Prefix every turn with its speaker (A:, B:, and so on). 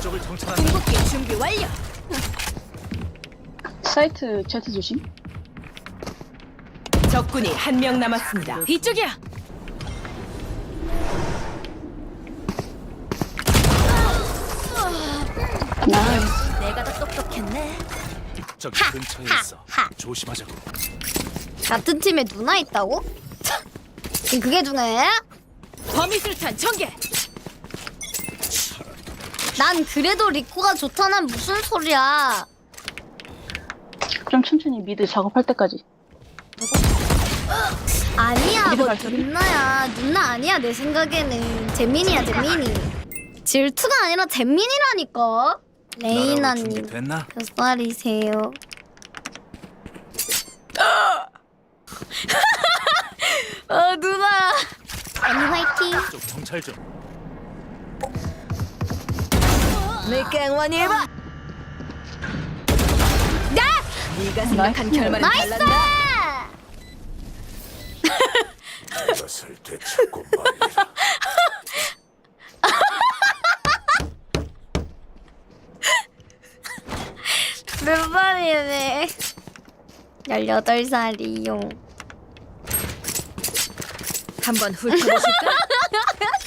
A: 목적을 정찰한다.
B: 궁극기 준비 완료.
C: 사이트 Z 조심.
B: 적군이 한 명 남았습니다. 이쪽이야.
C: 나이스.
B: 내가 더 똑똑했네.
A: 저기 근처에 있어. 조심하자고.
D: 같은 팀에 누나 있다고? 지금 그게 중요해?
B: 범위술탄 전개.
D: 난 그래도 리코가 좋다는 무슨 소리야?
C: 좀 천천히 미드 작업할 때까지.
D: 아니야,
C: 미드
D: 뭐
C: 발소리?
D: 누나야. 누나 아니야, 내 생각에는. 재민이야, 재민이. 질투가 아니라 재민이라니까. 레이나님,
A: 준비됐나?
D: 몇 살이세요? 누나. 언니 화이팅.
A: 좀 정찰 좀.
B: 물갱원이 해봐. 네가 생각한 결말은
D: 나이스!
B: 달랐나?
A: 이것을 되찾고 말이라.
D: 몇 살이네? 18살이요.
B: 한번 훑어보실까?